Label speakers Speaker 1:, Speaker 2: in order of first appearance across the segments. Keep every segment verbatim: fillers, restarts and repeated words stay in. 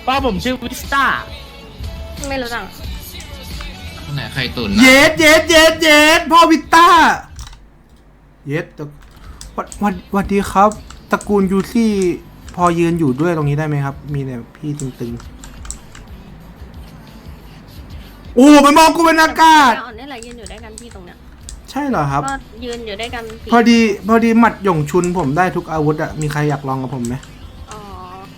Speaker 1: ป้าผมชื่อวิสต้า
Speaker 2: ไม่รู้จัก
Speaker 3: ไหนใครตุน
Speaker 4: เย็ดเย็ดเย็ดเย็ดพ่อวิต้าเย็ดวันวันวันดีครับตระกูลยูซี่พอยืนอยู่ด้วยตรงนี้ได้ไหมครับมีเนี่ยพี่ตึงๆโอ้มันมองกูเป็นอากาศ
Speaker 2: อ่อนนี่แหละยืนอยู่ด้วยกันพี่ตรงเนี้ย
Speaker 4: ใช่เหรอครับ
Speaker 2: ก็ยืนอยู่ด้วยกัน
Speaker 4: พอดีพอดีหมัดหย่งชุนผมได้ทุกอาวุธอะมีใครอยากลองกับผมไหม
Speaker 2: อ๋อ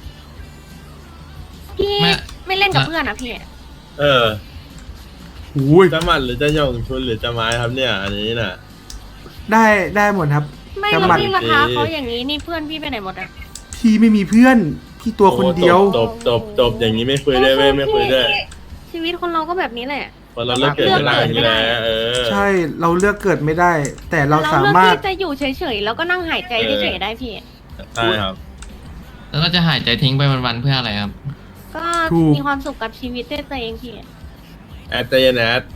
Speaker 2: พี่ไม่เล่นกับเพื่อนนะพี่
Speaker 5: เออ
Speaker 4: อุ้ย
Speaker 5: จะหมัดหรือจะหย่งชุนหรือจะไม้ครับเนี่ยอันนี้น่ะ
Speaker 4: ได้ได้หมดครับ
Speaker 2: ไม่แล้วพี่มาท้าเขาอย่างนี้นี่เพื่อนพี่ไปไหนหมดอะ
Speaker 4: พี่ไม่มีเพื่อนพี่ตัวคนเดียว
Speaker 5: จบจบจบอย่างนี้ไม่คุยได้ไม่ไม่คุยได้
Speaker 2: ชีวิตคนเราก็แบบนี้แหละ
Speaker 5: คนเราเลือกเกิดไม่ได้อย่างนี้แหละเออ
Speaker 4: ใช่เราเลือกเกิดไม่ได้ แต่เราสามารถ
Speaker 2: ที่จะอยู่เฉยๆแล้วก็นั่งหายใจเฉยๆได้พี่
Speaker 5: ใช่ครับ
Speaker 3: แล้วก็จะหายใจทิ้งไปวันๆเพื่ออะไรครับ
Speaker 2: ก็มีความสุขกับชีวิตด้วยตัวเองพี่
Speaker 5: แอดเจนแอด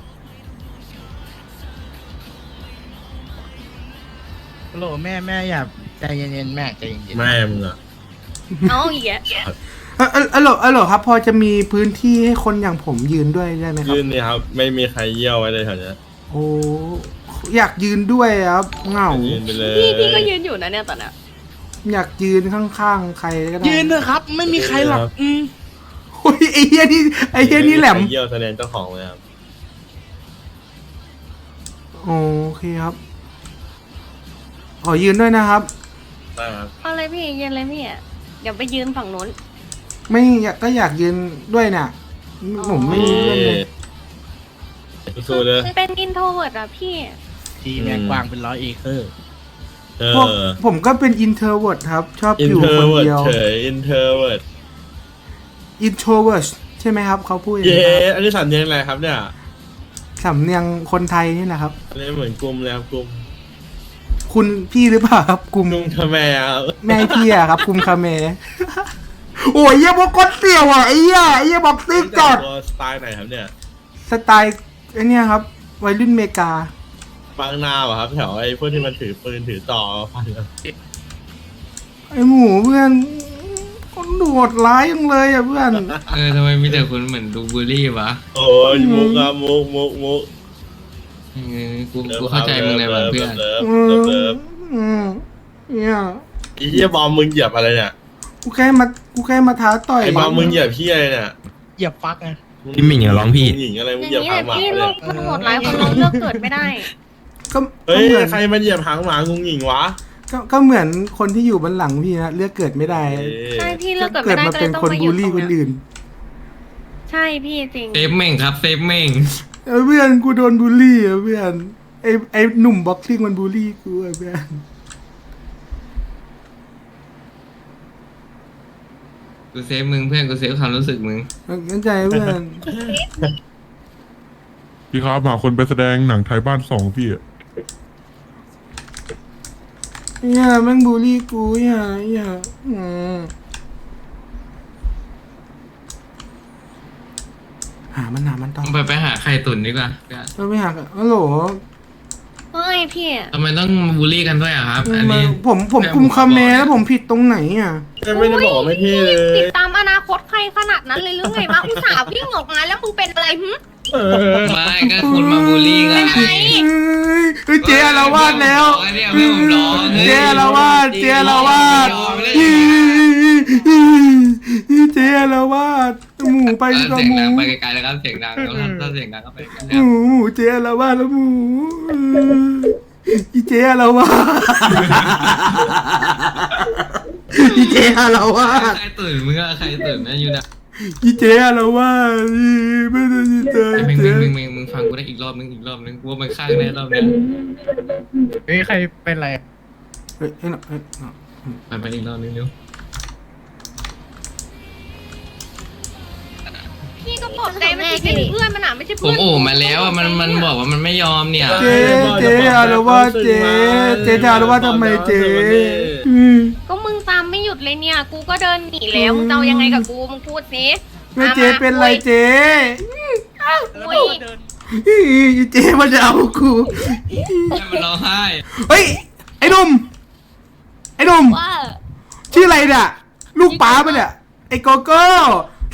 Speaker 1: โหลแม่แม่อย่าใจเย็นๆแม่ใจเย็นๆ
Speaker 5: แม่มึงอ่ะ
Speaker 2: เอาอีกอ่ะ
Speaker 4: เออเออเออครับพอจะมีพื้นที่ให้คนอย่างผมยืนด้วยได้ไหมครับ
Speaker 5: ยืนนี่ครับไม่มีใครเยี่ยวไว้เลยแถวนี้
Speaker 4: โอ้อยากยืนด้วยครับเหงา
Speaker 5: ยืนไปเลย
Speaker 2: พี่พี่ก็ยืนอยู่นะเนี่ยตอนนี้
Speaker 4: อยากยืนข้างๆใครก็ได้
Speaker 1: ยืนเถอะครับไม่มีใครหรอกอืม
Speaker 4: โอ้ยไอ้เหี้ยนี่ไอ้เหี้ยนี่แหลม
Speaker 5: เยี่ยวแสดงเจ้าของเลยครับ
Speaker 4: โอเคครับขอยืนด้วยนะครับ
Speaker 5: ได้ครับ
Speaker 2: เอาเลยพี่ยืนเลยพี่เดี๋ยวไปยืนฝั่งนู้น
Speaker 4: ไม่อยากก็อยากยืนด้วยน่ะผมไม่มีเพื่อนเลย
Speaker 5: สู้เลย
Speaker 2: เป็นอินโทรเวิร์ดอะพี่
Speaker 1: ทีแม่กว้างเป็นร้อยเอเคอร์
Speaker 4: พวกผมก็เป็นอินเทอร์เวิร์ดครับชอบอยู่คนเดียว
Speaker 5: เฉยอินเทอร์เวิร์ด
Speaker 4: อินโทรเวิร์ดใช่ไหมครับเขาพูด
Speaker 5: เย้อันนี้สำเนียงอะไรครับเนี่ย
Speaker 4: สำเนียงคนไทยนี่แหละครับ
Speaker 5: อันนี้เหมือนกลุ่มเลยครับกลุ่ม
Speaker 4: คุณพี่หรือเปล่าครับกลุ่ม
Speaker 5: กลุ่มคาเมะ
Speaker 4: แม่พี่อะครับกลุ่มคาเมะโอ้ยเยี่ยบอกก้นเสี่ยวอ่ะไอ้เหี้ยไอ้เหี้ยบอกซิกจอด
Speaker 5: สไตล์ไหนครับเนี่ย
Speaker 4: สไตล์ไอ้นี่ครับวัยรุ่นเมกา
Speaker 5: ฟังนาป่ะครับแถวไอ้พวกที่มันถือปืนถือต่อฟัง
Speaker 4: ไอ้หมูเพื่อนคนโดดร้ายยังเลยอ่ะเพื่อน
Speaker 3: เออทำไมมีแต่คนเหมือนดูบูลลี่วะ
Speaker 5: โอ้ยมุกอะมุกมุกมุก
Speaker 3: เออกูกูเข้าใจมึงเลยว่ะเพื่อน
Speaker 4: เนี่ย
Speaker 5: ไอ้เหี้ยบอมมึงเหยียบอะไรเนี่ย
Speaker 4: กูแค่มากูแค่มาท้าต่อย
Speaker 5: ไอ้บอมมึงเหยียบพี่อะไรเนี่ย
Speaker 1: เหยียบฟักไง
Speaker 3: พี่หมิงอะร้องพี่
Speaker 5: หมิงอะไรมึง
Speaker 2: อ
Speaker 5: เหยียบ
Speaker 2: บ
Speaker 5: หางหมา
Speaker 2: พี่ลูกทั้งหมดหลายคนเราเลือกเกิดไม่ได้
Speaker 4: ก็
Speaker 5: เฮ้ยใครมันเหยียบหางหมางูหงิงวะ
Speaker 4: ก็ก็เหมือนคนที่อยู่บนหลังพี่นะเลือกเกิดไม่ได้
Speaker 2: ใช่พี่เลือกเกิดไม่ได้
Speaker 4: มาเป็นคนบูลลี่คนอื่น
Speaker 2: ใช่พี่จริง
Speaker 3: เซฟเม่งครับเซฟเม่ง
Speaker 4: เพื่อนกูโดนบูลลี่อ่ะเพื่อนไอ้ไอ้หนุ่มบ็อกซิ่งมันบูลลี่กูอ่ะเพื่อน
Speaker 3: กูเซฟมึงเพื่อนกูเซฟความรู้สึกมึง
Speaker 4: เข้าใจเพื่อน
Speaker 6: พี่ครับหาคนไปแสดงหนังไทยบ้านสองพี่อ่ะ
Speaker 4: เนี่ยแม่งบูลลี่กูเนี่ยเนี่ยหามันหามันต้อง
Speaker 3: ไปไปหาใครตุ่นดีกว่า
Speaker 4: ไปหาฮัลโหล
Speaker 2: เฮ้ยพี่
Speaker 3: ทำไมต้องบูลลี่กันด้วยอ่ะครับอันนี้
Speaker 4: ผมผมกุมคาเมะแล้วผมผิดตรงไหนอ่ะ
Speaker 5: ไม่ได้บอกไม่พี่เลย
Speaker 2: ติดตามอนาคตใครขนาดนั้นเลยหรือไงวะอุตส่าห์วิ่งออกมาแล้วมึงเป็นอะไรหึ
Speaker 3: ไม่ก็คุณมาบูลลี่กัน
Speaker 2: ไง
Speaker 4: เฮ้ยเจ๊ละวาดแล้วเจ๊ละวาดเจ๊ละวาดเจ๊ละวาดหมูไปกับหมู
Speaker 3: ไปไกลๆแล้วครับเสียงดังแล้วถ้าเสียงดังก็ไป
Speaker 4: หมูหมูเจ๊ละวาดแล้วหมูอีเจ๊ละวาดอีเจ๊ละวาด
Speaker 3: ใครตื่นมึงอะใครตื่นนะอยู่นะ
Speaker 4: อีเจ๊ละวาดไม่ได้ยินเลย
Speaker 3: มึงมึงมึงมึงมึงฟังกูได้อีกรอบนึงอีกรอบนึงกูว่ามันข้างแน่รอบนี้
Speaker 1: เฮ้ยใครเป็นไร
Speaker 4: เฮ้ยเฮ้ยเฮ้ย
Speaker 3: ไปไปอีกรอบนึงเร็ว
Speaker 2: พี่ก็บอกใจมันเป็นเพื่อนมันอ่ะไม่ใช่เพื่อน
Speaker 3: ผมโอ้มาแล้วอ่ะมันมันบอกว่ามันไม่ยอมเนี่ย
Speaker 4: เจ๊เจ๊อะไรวะเจ๊เจ๊จะอะไรวะทำไมเจ๊
Speaker 2: ก็มึงตามไม่หยุดเลยเนี่ยกูก็เดินหนีแล้วมึงจะยังไงกับกูมึงพูดสิ
Speaker 4: ไม่เจ๊เป็นไรเจ๊
Speaker 2: อุ้ย
Speaker 4: เจ๊มันจะเอากู
Speaker 3: มันร้องไห้
Speaker 4: เฮ้ยไอ้หนุ่มไอ้หนุ่มชื่ออะไรเนี่ยลูกป๋าปะเนี่ยไอ้โกโก้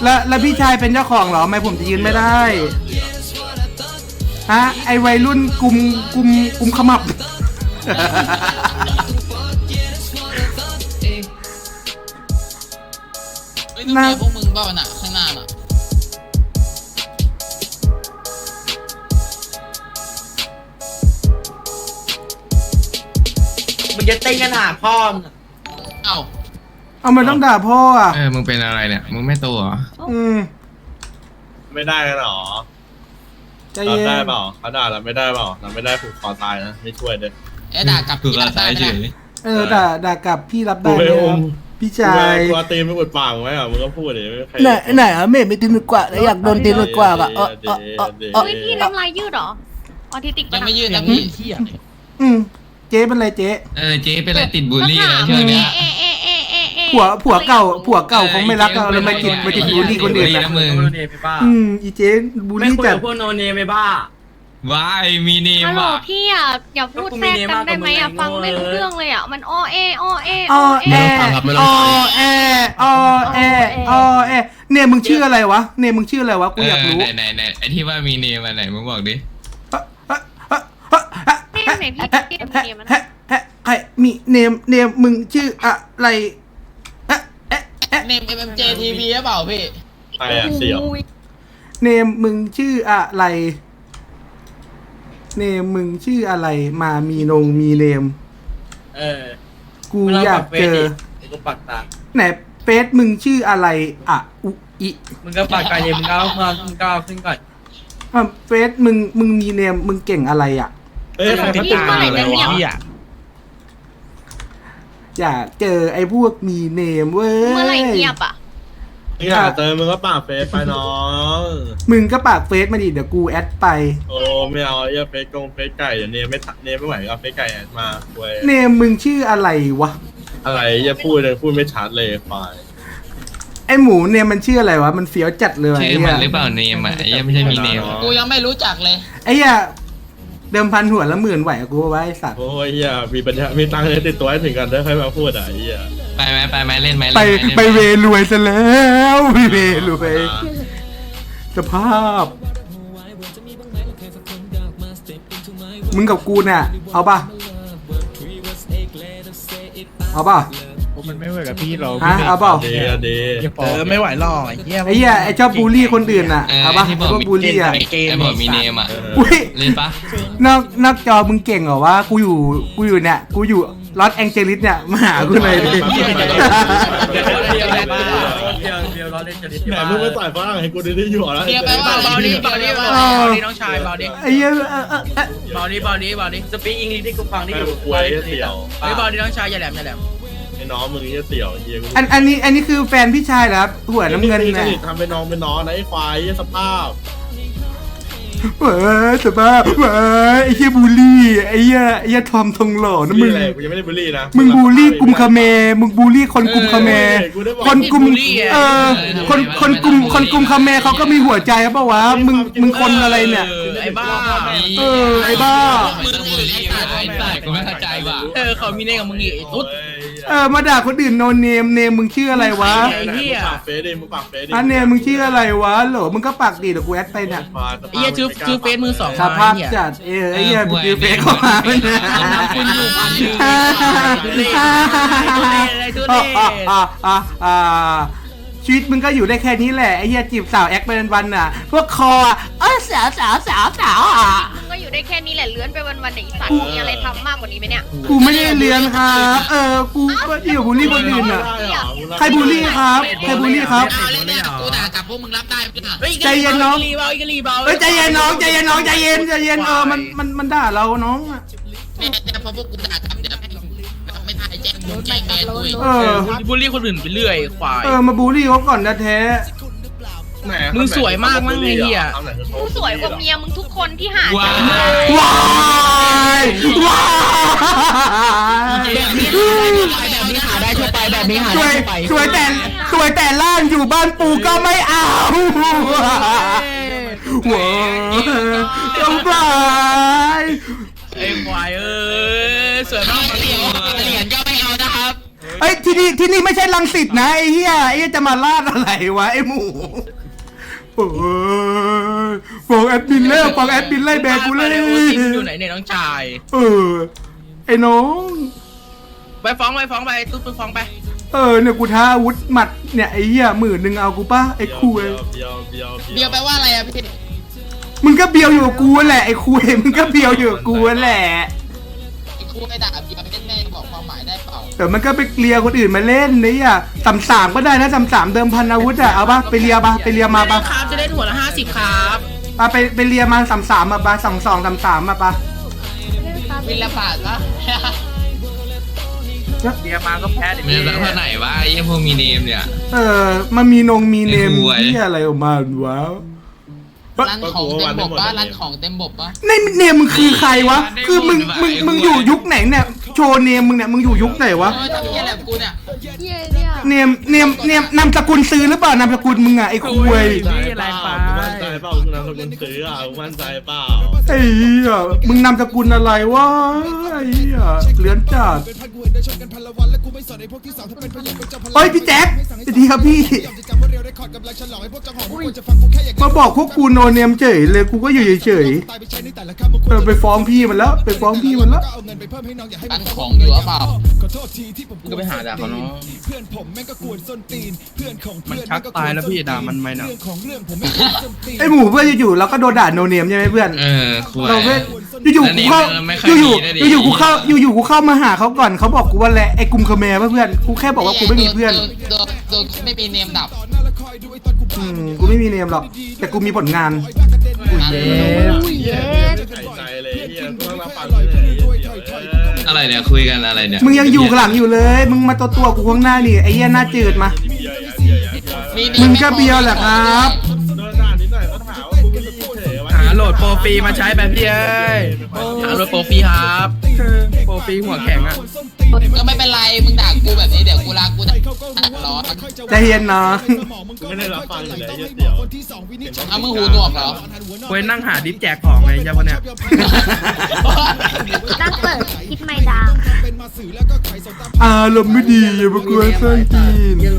Speaker 4: แล้วแล้วพี่ชายเป็นเจ้าของเหรอทำไมผมจะยืนไม่ได้ฮะไอวัยรุ่นกลุ่มกลุ่มกลุ่มขมับ
Speaker 7: เฮ้ยนั่นพวกมึงบ้าน่ะข้างหน้าน่ะ
Speaker 8: มึงจะเต้นกันหาพ่อมึง
Speaker 7: เอ้า
Speaker 4: เอามันต้องด่าพ่ออ่ะ
Speaker 3: เออมึงเป็นอะไรเนี่ยมึงไม่โตเหรอ
Speaker 4: อืม
Speaker 5: ไม่ได้กันหรอ
Speaker 4: ใจ
Speaker 5: เรา
Speaker 4: เย็น
Speaker 5: ได้เปล่าเขาด่าเราไม่ได้เปล่าเราไม่ได้ผูกคอตายนะไม่ช่วยเลย
Speaker 7: เอ๊ะด่ากลับ
Speaker 3: กูก็ตายเฉย
Speaker 4: เออด่าด่ากลับพี่รับได้
Speaker 5: กู
Speaker 4: ไห
Speaker 5: ไม่
Speaker 4: ม
Speaker 5: อุ้
Speaker 4: ครับ
Speaker 5: ม
Speaker 4: พี่ชาย
Speaker 5: กูตีนไม่อุดปากไว้อ่ะมึงก็พูดดิไม่มีใคร
Speaker 4: ไหนไหนอ่ะเมย์ไม่ตีนกว่าแล้วอยากโดนตีนกว่าอ่ะเออเออเออเออ
Speaker 2: เฮ้ยพี่น้ำลายยืดเหรอออทิสติก
Speaker 7: ยั
Speaker 2: ปะ
Speaker 7: ง
Speaker 2: นะ
Speaker 7: ไม่ยืดนะพี่
Speaker 4: อืมเจ๊เป็นไรเจ๊
Speaker 3: เออเจ๊เป็นอะไรติดบูลลี่นะช่วงเนี้ย
Speaker 2: เอะเอะเอะเอะเอะ
Speaker 4: ผัวผัวเก่าผัวเก่าคงไม่รักเราเลยมาจิตมาจิตบูลลี่คนอื่น
Speaker 3: นะ
Speaker 4: นะ
Speaker 3: มึง
Speaker 4: อืมอีเจ๊บูลลี่จัด
Speaker 3: ว้ายมีเนม
Speaker 2: ฮัลโหล
Speaker 3: ว่ะ
Speaker 2: พี่อ่ะอย่าพูดแทรกกันได้ไหมอ่ะฟังไม่รู้เรื่องเลยอ่ะมันอ้อเออ้อเอ
Speaker 4: ออแอออแอออแอออแอเนี่ยมึงชื่ออะไรวะเนี่ยมึงชื่ออะไรวะกูอยากรู้
Speaker 3: ไหนไหนไหนไอที่ว่ามีเนมมาไหนมึงบอกดิ
Speaker 2: นี่ไหนพี่พี่เนียมัน
Speaker 4: ฮะฮะใครมีเนมเนมมึงชื่ออะไรฮะเอ๊ะเอ๊ะ
Speaker 7: เนม เอ็ม เอ็ม เจ ที วี หรือเปล่าพี่
Speaker 5: ใครอ่ะเสี่ยว
Speaker 4: เนมมึงชื่ออะไรเนมมึงชื่ออะไรมามีนงมีเนม
Speaker 8: เออ
Speaker 4: กูอยากเจอ
Speaker 8: กูปักตา
Speaker 4: ไหนเฟซมึงชื่ออะไรอ่ะอุอิ
Speaker 8: มึงก็ปักกายมึงก้าวมามึงก้าวขึ้นก่อน
Speaker 4: อ่ะเฟซมึงมึงมีเนมมึงเก่งอะไรอ่ะ
Speaker 5: เอ้ยใครเขาด่าอะไรวะ
Speaker 4: อยากเจอไอ้พวกมีเนมเว้ย
Speaker 2: เมื่อไหร่เงียบอ่ะ
Speaker 5: มึงอยากเจอมึงก็ปากเฟซไปน้อง
Speaker 4: มึงก็ปากเฟซมาดิเดี๋ยวกูแอดไป
Speaker 5: โอ้ไม่เอาไอ้เฟซกงเฟซไก่เดี๋ยวเนมไม่เนมไม่ไหวก็เอาเฟซไก่แอดมาเว้ย
Speaker 4: เนมมึงชื่ออะไรวะ
Speaker 5: อะไรอย่าพูดเลยพูดไม่ชัดเลยควาย
Speaker 4: ไอ้หมูเนมมันชื่ออะไรวะมันเฟี้ยวจัดเลย
Speaker 3: ชื่อมันหรือเปล่าเนมอ่ะไอ้ยังไม่ใช่มีเนม
Speaker 7: กูยังไม่รู้จักเลย
Speaker 4: ไอ้เหี้ยเดิมพันหัวละหมื่นไหวกับกูวะไอ้สัตว์
Speaker 5: โอ้ยเฮียมีปัญญามีตังค์เลยติดตัวให้ถึงกันได้ค่อยมาพูดอ่ะไอ้เฮีย
Speaker 3: ไปไหมไปไหมเล่นไหม
Speaker 4: ไป
Speaker 3: เล่นหม
Speaker 4: ไปเวรวยซะแล้วไปเวรวยสภาพ มึงกับกูเนี่ยเอาป่ะเอาป่ะ
Speaker 1: มันไม่เหมือนกับพี่เรา
Speaker 4: ฮะเอาเปล่า
Speaker 5: เดย์เดย์
Speaker 8: เออไม่ไหวหรอกไอ้เหี้ย
Speaker 4: ไอ้เหี้ยไอ้ชอบบูลลี่คนอื่นน่ะ
Speaker 3: เออ
Speaker 4: เอาป่ะ
Speaker 3: ที่บ
Speaker 4: ไอ้
Speaker 3: อก
Speaker 4: พวก
Speaker 3: มี
Speaker 4: บูลลี่อ่ะ
Speaker 3: ไอ้บอกมีเนมอ่ะ
Speaker 4: อุ้ย
Speaker 3: เล่นปะ
Speaker 4: นอกนอกจอมึงเก่งเหรอวะกูอยู่กูอยู่เนี่ยกูอยู่ลอสแองเจลิสเนี่ยมาหากูเลยดิ
Speaker 5: เดี๋ยวเดี๋ยวเดี๋ยวเดี๋ยวเดี๋ยวแต่มึงไม่ใส่ฝรั่งให้กูได้อยู่แล้ว
Speaker 7: เดี๋ยวไปว่า
Speaker 8: เบาดิเบาดิเบาดิเบาดิน้องชายเบาดิ
Speaker 4: ไอ้เหี้ยเออเออเออ
Speaker 8: เบาดิเบาดิเบาดิสปีกอังกฤษที่กูฟังที่
Speaker 5: ให้
Speaker 8: กู
Speaker 5: กูคุยเสี่ยว
Speaker 8: เฮ้ยเบาดิน้องชายอย่าแหลมอย่าแหลม
Speaker 5: ไอ้น้องมึงนี่เสี่ยวเฮียกู
Speaker 4: อันอันนี้อันนี้คือแฟนพี่ชายเหรอครับหัวน้ำเงิน
Speaker 5: นี่
Speaker 4: เนี่ย
Speaker 5: ทำเป็นน้องเป็นน้องนะไอ้ควายสภาพ
Speaker 4: เว้ยสภาพเว้ยไอ้เหี้ยบูลลี่ไอ้เหี้ยไอ้เหี้ยทอมทองหล่อนะมึง
Speaker 5: อะไรกูยังไม่ได้บูลลี่นะ
Speaker 4: มึงบูลลี่กลุ่มคาเมมึงบูลลี่คนกลุ่มคาเมคนกลุ่มเออคนคนกลุ่มคนกลุ่มคาเมเขาก็มีหัวใจปะวะมึงมึงคนอะไรเนี่ย
Speaker 8: ไอ้บ้า
Speaker 4: เออไอ้บ้า
Speaker 3: มึงบูลลี่ไอ้สัตว์กูไม่เข้าใจว่ะ
Speaker 8: เออเขามีเน่กับมึงอีกไอ้ตุ๊ด
Speaker 4: เออมาด่าคนอื่นโนเนมเนมมึงชื่ออะไรวะ
Speaker 5: ไอ้เหี้ยปากเฟซดิมึงปากเฟซดิ
Speaker 4: อันเนมมึงชื่ออะไรวะโหลมึงก็ปากดีเดี๋ยวกูแอดไปเนี่ย
Speaker 8: ไอ้เหี้ยชื่อชื่อเฟซมือสอง
Speaker 4: สภาพจัดเออไอ้เหี้ยกูซื้อเฟซเข้ามาเนี่ย
Speaker 8: คุณอยู่พันหนึ่ง
Speaker 4: อ่าอ่าอ่าชีวิตมึงก็อยู่ได้แค่นี้แหละไอ้เหี้ยจีบสาวแอคไปวันๆน่ะพวกคออ่ะเออสาวสาวสาวสาวอ่ะ
Speaker 2: มึงก็อยู่ได้แค่นี้แหละเลื้อนไปวันๆไหนสัตว์มีอะไรทำมากกว่านี้ไหมเนี่ย
Speaker 4: กูไม่ได้เรียนครับเออกูก็อยู่บูลลี่คนอื่นอ่ะใครบูลลี่ครับใครบูลลี่ครับ
Speaker 7: เอาเล่นเนี่ยกูด่ากลับพวกมึงรับได้ไหมล่ะ
Speaker 4: ใจเย็นน้อง
Speaker 8: รีเบาอีกรีเบา
Speaker 4: เฮ้ยใจเย็นน้องใจเย็นน้องใจเย็นใจเย็นเออมันมันมันด่าเราน้องอ่ะ
Speaker 7: เนี่ยพอพวกกูด่ากลับเดี๋ยวไม่ถ่ายแจ้งมึงแจ้งแมนกูอีก
Speaker 4: เออ
Speaker 8: บูลลี่คนอื่นไปเรื่อยควาย
Speaker 4: เออมาบูลลี่เขาก่อนนะแท้
Speaker 8: มึงสวยมากมั้งไอ้เหี้ย
Speaker 2: กูสวยกว่าเมียมึงทุกคนที่หา
Speaker 3: ว้า
Speaker 4: ว้ายว้าย
Speaker 8: แบบนี้หาได้ทั่วไปแบบนี้หา
Speaker 4: ส
Speaker 8: ได้
Speaker 4: วย
Speaker 8: ทั่วไป
Speaker 4: สวยแต่สวยแต่ล่างอยู่บ้านปูก็ไม่เอาว้ายจงไป
Speaker 8: ไอ้ควายเอ้ยสวยมาก
Speaker 7: เหรียญเหรียญก็ไม่เอานะครับ
Speaker 4: เอ้ยที่นี่ที่นี่ไม่ใช่รังสิตนะไอ้เหี้ยไอ้เหี้ยจะมาลาดอะไรวะไอ้หมูโอ้ยฟ้องแอดมินแล้วฟ้องแอดมินไล่แบกกูเลย
Speaker 8: โอทีมอยู่ไหนเนี่ยน้องชาย
Speaker 4: เออไอ้น้อง
Speaker 8: ไปฟ้องไปฟ้องไปตุ๊ดไปฟ้องไป
Speaker 4: เออเนี่ยกูท้าอาวุธหมัดเนี่ยไอ้เหี้ยหมื่นหนึ่งเอากูป่ะไอ้คุย
Speaker 5: เบียวเบียว
Speaker 7: เบียวแปลว่าอะไรอะพี่
Speaker 4: มึงก็เบียวอยู่กับกูแหละไอ้คุยมึงก็เบียวอยู่กับกูแหละ
Speaker 7: ไอ้ครูไปด่าเบียวเล่นแม่บอกความหมายได้เปล่า
Speaker 4: แต่มันก็ไปเลียคนอื่นมาเล่นนี่อ่ะสามสามก็ได้นะสามสามเดิมพันอาวุธอ่ะเอาป่ะไปเลียป่ะไปเลียมาป่ะ
Speaker 8: ครับจะได้หัวละห้าสิบครับ
Speaker 4: ป่ะไปไปเลียมาสามสามมาป่ะสองสองสามสามมาป่ะ
Speaker 7: วินละบาทปะ
Speaker 8: เดียมาก็แพ้ดิ
Speaker 3: มันจะเท่าไหนวะไอ้เหี้ยพวกมีเนมเนี่ย
Speaker 4: เออมันมีนงมีเนม
Speaker 3: ไอ้หวย
Speaker 4: ที่อะไรออกมาวะ
Speaker 7: ร้านของเต็มบบปะร้านของเต็มบบปะ
Speaker 4: ในเนมมึงคือใครวะคือมึงมึงมึงอยู่ยุคไหนเนี่ยโชว์เนมมึงเนี่ยมึงอยู่ยุคไหนวะ
Speaker 7: เออทำเหี้ยอะไรกับกูเนี่ย
Speaker 9: เหี้ยเนี่ย
Speaker 4: เนมเนมเนมนามสกุลซื้อหรือเปล่านามสกุลมึงอ่ะไอ้คุย
Speaker 5: นี่แรงไปมั่นใจเปล่าคุณนามสกุลซื้ออ่ะมั่นใจเปล่า
Speaker 4: ไอ้เหี้ยมึงนามสกุลอะไรวะไอ้เหี้ยเหลือนจัดเฮ้ยพี่แจ็คสวัสดีครับพี่มาบอกพวกกูโนเนมเฉยเลยกูก็อยู่เฉยๆเออไปฟ้องพี่มันแล้วไปฟ้องพี่มันแล้ว
Speaker 7: ร้านของอยู่หรือเปล่า
Speaker 8: มึงก็ไปหาด่าเขาเนาะมันชักตายแล้วพี่ด่ามันไหมเนาะ
Speaker 4: ไอหมูเพื่อนอยู่ๆเราก็โดนด่าโนเนมใช่ไหมเพื่อน
Speaker 3: เออคุย
Speaker 4: เราเพื่อนอยู่ๆกูเข้า
Speaker 3: แล้วนี่มันไม่ค่
Speaker 4: อ
Speaker 3: อย
Speaker 4: ยู่
Speaker 3: มีนะดิ
Speaker 4: ๆอยู่ๆกูเข้าอยู่ๆกูเข้ามาหาเขาก่อนเขาบอกกูว่าแหละไอ้กลุ่มคาเมร์เพื่อนกูแค่บอกว่ากูไม่มีเพื่อน
Speaker 7: โดนโดนไม่มีเนมดับ
Speaker 4: อืมกูไม่มีเนมหรอกแต่กูมีผลงาน
Speaker 9: อุ้ยเย็ด
Speaker 5: หายใจเลยเฮียต้องรับฟังเลยเดี๋ยว
Speaker 3: อะไรเนี่ยคุยกันอะไรเนี่ย
Speaker 4: มึงยังอยู่หลังอยู่เลย มึงมาตัวตัวๆกูข้างหน้านี่ไอ้เหี้ยหน้าจืดมา
Speaker 7: มีเน
Speaker 4: มึงก็เบียวแหละครับ
Speaker 5: โดนด่านิดหน่อยก็ถามว่ากูเป็นผู้เฉย
Speaker 8: หาโหลดโปรฟรีมาใช้แบบพี่เอ้ยหาโหลดโปรฟรีครับโปรฟรีหัวแข็งอ่ะ
Speaker 7: ก็ไม่เป็นไรมึงด่ากูแบบนี้เดี๋ยวกูลากูด่าร้อน
Speaker 4: ใจเย็นน้อง
Speaker 5: ไม่ได้รับฟังอยู่แล้วเดี๋ยว
Speaker 7: เอามือหูหนวกเหรอ
Speaker 8: เว้ยนั่งหาดิฟแจกของไงเจ้าคนเนี้ย
Speaker 9: ตั้งเปิดคิดไม่ดัง
Speaker 4: อารมณ์ไม่ดีอย่ามากวนส้นตีน
Speaker 7: เย้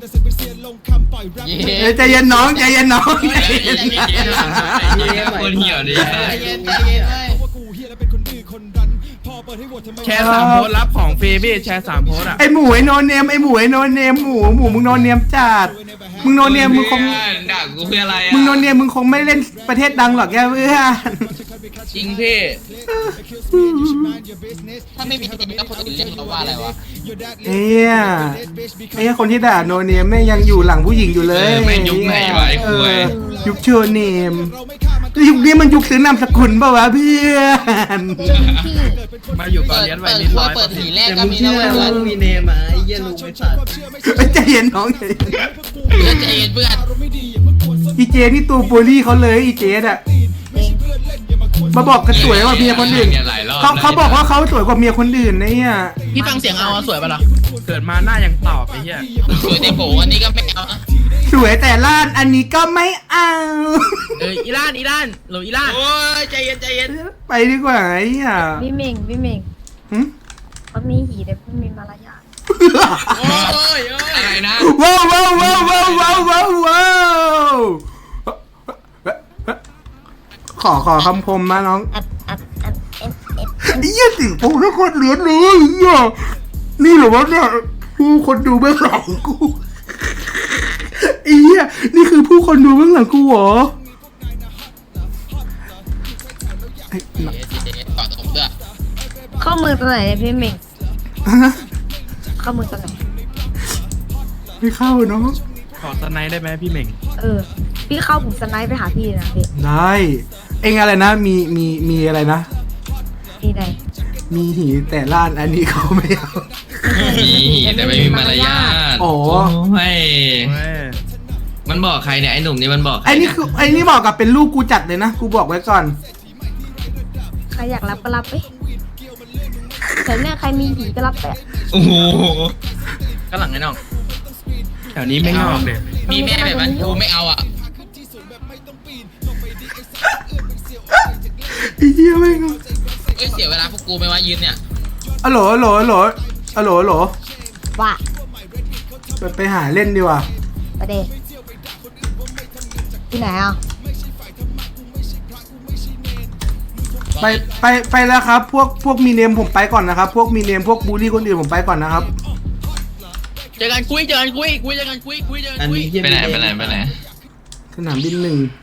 Speaker 4: เอ้ยใจเย็นน้องใจเย็นน้องใจเย็น
Speaker 3: คนเหี่ยวดิ
Speaker 7: ใจเย็นใจเย็นเว้ย
Speaker 8: แชร์สามโพสต์รับของฟรีพี่แชร์สามโพสต์อ่ะ
Speaker 4: ไอหมูไอโนเนมไอหมูไอโนเนมหมูหมูมึงโนเนมจัดมึงโนเนมมึงคง
Speaker 3: ด่ากูเพื่ออะไรอ่ะ
Speaker 4: มึงโนเนมมึงคงไม่เล่นประเทศดังหรอกแกเพื่อน
Speaker 8: จริงพี่
Speaker 7: ถ้าไม่มีเนมก็คนอื่นเรียกเราว่าอะไรวะ
Speaker 4: เอ้ยไอ้คนที่ด่าโนเนมแม่งยังอยู่หลังผู้หญิงอยู่เล
Speaker 3: เอย อแม่งยุคไหนวะไอ้
Speaker 4: เอ
Speaker 3: คุย
Speaker 4: อยุคโชว์เนมยุคนี้มันยุคซื้อนามสกุลป่าวะเพื่อน
Speaker 8: มาอยู่ก่อน
Speaker 7: เปิด
Speaker 8: เลี้ยนไว้
Speaker 7: เปิด
Speaker 8: นิด
Speaker 7: ครัว
Speaker 8: ร้อย
Speaker 7: เปิดหีแรกก็มีนะเว้ยเพื่อน
Speaker 8: มีเนมอ่ะไอ้เหี้ยลุงไม่ตัด
Speaker 4: เอ้ยใจเย็นน้องใจเย็น
Speaker 7: เพื่อนใจเย็นเพื่อน
Speaker 4: อีเจนี่ตัวโปรลี่เขาเลยอีเจอ่ะมาบอกกันสวยกว่าเมียคนอื่น
Speaker 3: เนี่ยหลายรอบ
Speaker 4: เขาเขาบอกว่าเขาสวยกว่าเมียคนอื่นนะเนี่ย
Speaker 8: พี่ฟังเสียงเอาสวยปะล่ะเกิดมาหน้ายังตอบไอ้เหี้ย
Speaker 7: สวยในโบอันนี้ก็ไม่เอาอะ
Speaker 4: สวยแต่ล้านอันนี้ก็ไม่เอา
Speaker 8: เอออีล่านอีล่านโหลอีล่าน
Speaker 7: โอ้ยใจเย็นใจเย็น
Speaker 4: ไปดีกว่าไอ้เหี้ย
Speaker 9: พี่เม่งพี่เม่ง
Speaker 4: หึ
Speaker 9: เขามีหีแต่ไม่มีมารยาท
Speaker 7: โอ้ยโอ้ย
Speaker 3: อะไรนะ
Speaker 4: ว้าวว้าวว้าวว้าวว้าวว้าวว้าวขอขอคำคมมาน้อง
Speaker 9: อัดอัดอัดเอฟเอฟ
Speaker 4: ไอ้เหี้ยสิงโตทุกคนเหลือเลยไอ้เหี้ยนี่เหรอวะเนี่ยผู้คนดูเบื้องหลังกูไอ้เหี้ยนี่คือผู้คนดูเบื้องหลังกูเหรอไอ้หนัก
Speaker 7: ต่อตรงด้วย
Speaker 9: เข้ามือตัวไหนเนี่ยพี่เม่ง
Speaker 4: ฮะ
Speaker 9: เข้ามือตัวไหน
Speaker 4: ไม่เข้าเนาะ
Speaker 8: ขอสไนด์ได้ไหมพี่เหม่ง
Speaker 9: เออ พี่เข้าผมสไนป์ไปหาพี่นะพี่
Speaker 4: ได้เองอะไรนะมีมีมีอะไรนะ
Speaker 9: พี่ไหน
Speaker 4: มีหีแต่ล้านอันนี้เขาไม่เอา
Speaker 3: มีแต่ไม่มีมารยาท
Speaker 4: โอ้
Speaker 3: ไม่
Speaker 8: เว้ย
Speaker 3: มันบอกใครเนี่ยไอ้หนุ่มนี่มันบอกใคร
Speaker 4: ไอ้นี่คือไอ้นี่บอกกับเป็นลูกกูจัดเลยนะกูบอกไว้ก่อน
Speaker 9: ใครอยากรับก็รับไปแต่เนี่ยใครมีหีก็รับไป
Speaker 3: โอ้โห
Speaker 8: ก็หลังไอ้น้องแถวนี้ไม่งอกเลย
Speaker 7: มีแม่แบบนั้นกูไม่เอาอ่ะ
Speaker 4: ไอ้เหี้ยไม่ง
Speaker 7: เอ้ยเสียเวลาพวกกูไหมวะยืนเนี่ย
Speaker 4: อะโหลอะโหลอะโหลอะโหลอะโหล
Speaker 9: ว่า
Speaker 4: ไปไปหาเล่นดีกว่า
Speaker 9: ไปเดที่ไหนอ่ะ
Speaker 4: ไปไปไปแล้วครับ พวกพวกมีเนมผมไปก่อนนะครับ พวกมีเนมพวกบูลลี่คนอื่นผมไปก่อนนะครับ
Speaker 8: เจอกันคุยเจอกันคุยคุยเจอกันคุยคุยเจอกันคุย
Speaker 3: ไปไหนไปไหนไปไหน
Speaker 4: สนามบินหนึ่ง